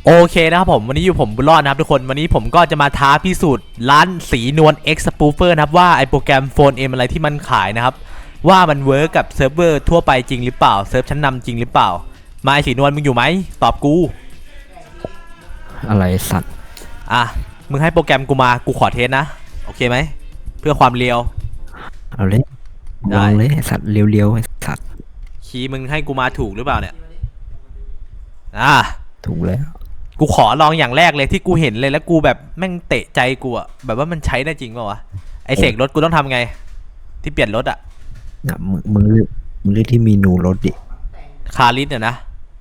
โอเคนะครับผมวันนี้อยู่ผมบุญรอดนะครับทุกคนวันนี้ผมก็จะมาท้าพิสูจน์ร้านสีนวล X Spoofer นะครับว่าไอโปรแกรมโฟนเอ็มอะไรที่มันขายนะครับว่ามันเวิร์กกับเซิร์ฟเวอร์ทั่วไปจริงหรือเปล่าเซิร์ฟชั้นนำจริงหรือเปล่ามาไอสีนวลมึงอยู่ไหมตอบกูอะไรสัตว์อ่ะมึงให้โปรแกรมกูมากูขอเทสนะโอเคไหมเพื่อความเรียวเอาเลยลองเลยสัตว์เรียวๆสัตว์คีย์มึงให้กูมาถูกหรือเปล่าเนี่ยถูกแล้วกูขอลองอย่างแรกเลยที่กูเห็นเลยแล้วกูแบบแม่งเตะใจกูอะแบบว่ามันใช้ได้จริงเปล่าวะไอเสกรถกูต้องทำไงที่เปลี่ยนรถอะนะมึงเลือกที่เมนูรถดิคาริสเนี่ยนะ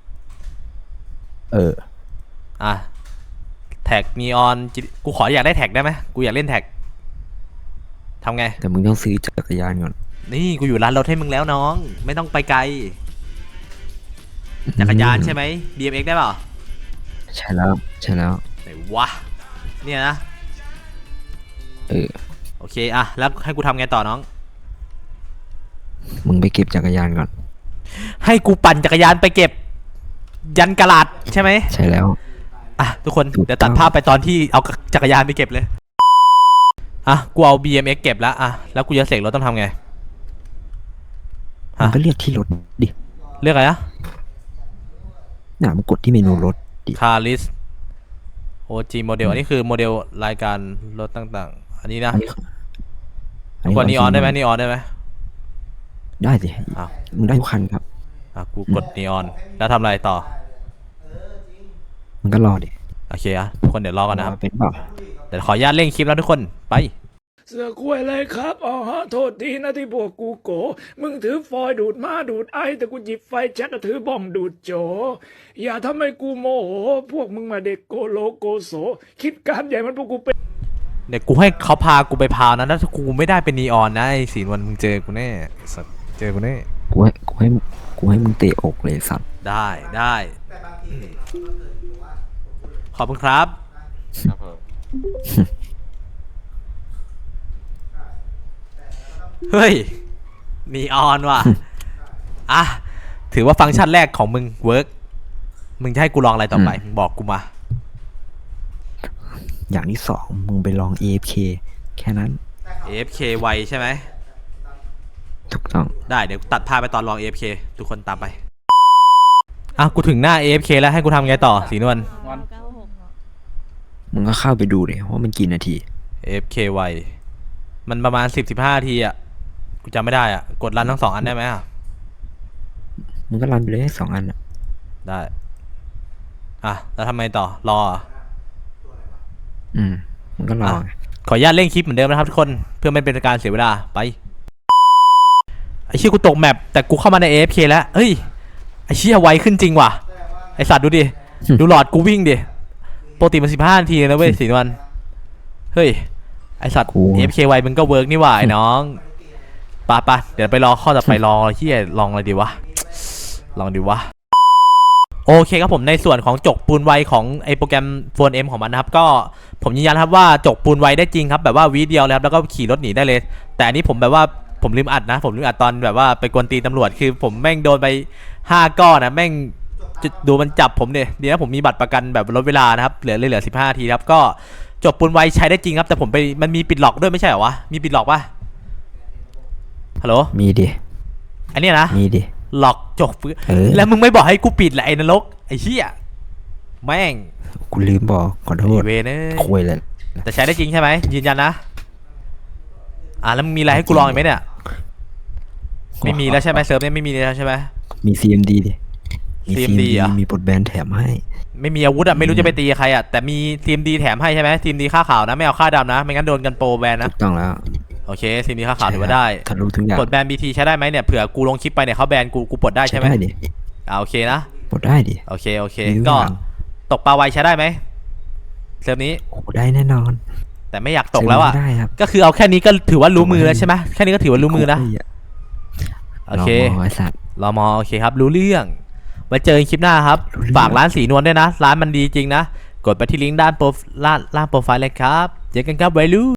แท็กนีออนกูขออยากได้แท็กได้ไหมกูอยากเล่นแท็กทำไงแต่มึงต้องซื้อจักรยานก่อนนี่กูอยู่ร้านรถให้มึงแล้วน้องไม่ต้องไปไกลจักรยานใช่ไหม BMX ได้เปล่าใช่แล้วไหนวะเนี่ยนะโอเคอะแล้วให้กูทำไงต่อน้องมึงไปเก็บจักรยานก่อนให้กูปั่นจักรยานไปเก็บยันกะลาดใช่ไหมใช่แล้วทุกคนเดี๋ยวตัดภาพไปตอนที่เอาจักรยานไปเก็บเลยกูเอา BMX เก็บแล้วแล้วกูจะเสกรถต้องทำไงมึงก็เลือกที่รถดิเลือกอะไรมึงกดที่เมนูรถดิคาริสOG โมเดลอันนี้คือโมเดลรายการรถต่างๆอันนี้นะกดนีออนได้ไหมนีออนได้ไหมได้สิมึงได้ทุกคันครับกูกดนีออนแล้วทำอะไรต่อมึงก็รอดิโอเคทุกคนเดี๋ยวรอกันนะครับเป็นเปล่าเดี๋ยวขออนุญาตเร่งคลิปแล้วทุกคนไปเสือคุยเลยครับโทษทีนะที่พวกกูโกมึงถือฟอยดูดมาดูดไอแต่กูหยิบไฟแช็กถือบ้องดูดโจอย่าทำให้กูโมโหพวกมึงมาเด็กโกโลโกโสคิดการใหญ่มันพวกกูเป็นเดี๋ยวกูให้เขาพากูไปพาวนะถ้ากูไม่ได้เป็นนีออนนะไอ้สีนวันมึงเจอกูแน่สัตว์เจอกูแน่กูให้มึงเตะอกเลยสัตว์ได้ขอบคุณครับเฮ้ยนีออนว่ะถือว่าฟังก์ชันแรกของมึงเวิร์กมึงจะให้กูลองอะไรต่อไปมึงบอกกูมาอย่างที่สองมึงไปลอง AFK แค่นั้น AFK ไวใช่ไหมถูกต้องได้เดี๋ยวตัดภาพไปตอนลอง AFK ทุกคนตามไปกูถึงหน้า AFK แล้วให้กูทำไงต่อสีนวลมึงก็เข้าไปดูเลยว่ามันกี่นาที AFK ไวมันประมาณ10-15 นาทีกูจำไม่ได้กดรันทั้ง2 อันได้ไหมมึงก็รันไปเลย2 อันได้แล้วทำไมต่อรอมึงก็รอขออนุญาตเล่นคลิปเหมือนเดิมนะครับทุกคนเพื่อไม่เป็นการเสียเวลาไปไอ้เชี่ยกูตกแมปแต่กูเข้ามาใน AFK แล้วเฮ้ยไอ้เชี่ยไวขึ้นจริงว่ะไอ้สัตว์ดูดิดูหลอดกูวิ่งดิปกติมัน15 นาทีนะเว้ยสีนวลเฮ้ยไอ้สัตว์ AFK ไวมึงก็เวิร์กนี่หว่าไอ้น้องปะเดี๋ยวไปรอข้อต่อไปรอเฮียลองอะไรดีวะโอเคครับผมในส่วนของจกปูนไวของไอโปรแกรมโฟนเอ็มของมันนะครับก็ผมยืนยันครับว่าจกปูนไวได้จริงครับแบบว่าวิเดียวแล้วก็ขี่รถหนีได้เลยแต่อันนี้ผมแบบว่าผมลืมอัดนะผมลืมอัดตอนแบบว่าไปกวนตีตำรวจคือผมแม่งโดนไป5 ก้อนนะแม่งดูมันจับผมเนี่ยดีนะผมมีบัตรประกันแบบลดเวลานะครับเหลือ15 นาทีครับก็จกปูนไวใช้ได้จริงครับแต่ผมไปมันมีปิดล็อกด้วยไม่ใช่เหรอวะมีปิดล็อกป่ะฮัลโหลมีดิอันนี้นะมีดิหลอกจกแล้วมึงไม่บอกให้กูปิดแหละไอ้นรกไอ้เหี้ยแม่งกูลืมบอกขอโทษเวเนคุยเลยแต่ใช้ได้จริงใช่ไหมยืนยันนะแล้วมึงมีอะไรให้กูลองอีกไหมเนี่ยไม่มีแล้วใช่ไหมเซิร์ฟเนี่ยไม่มีแล้วใช่ไหมมี CMD ดิ CMD มีปลดแบนแถมให้ไม่มีอาวุธไม่รู้จะไปตีใครแต่มี CMD แถมให้ใช่ไหม CMD ค่าขาวนะไม่เอาค่าดำนะไม่งั้นโดนกันโปรแบนนะถูกต้องแล้วโอเคซีนีค่าขาวถือว่าได้ทะลุทุกอย่างปลดแบน BT ใช้ได้ไหมเนี่ยเผื่อกูลงคลิปไปเนี่ยเขาแบนกูปลดได้ใช่ไหมได้ดิโอเคนะปลดได้ดิโอเคก็ตกปลาไวใช้ได้ไหมเซิร์ฟนี้ได้แน่นอนแต่ไม่อยากตกแล้วก็คือเอาแค่นี้ก็ถือว่ารู้มือแล้วใช่ไหมแค่นี้ก็ถือว่ารู้มือนะโอเครอมอโอเคครับรู้เรื่องไว้เจอคลิปหน้าครับฝากร้านสีนวลด้วยนะร้านมันดีจริงนะกดไปที่ลิงก์ด้านโปรไฟล์เลยครับเจอกันครับไวลู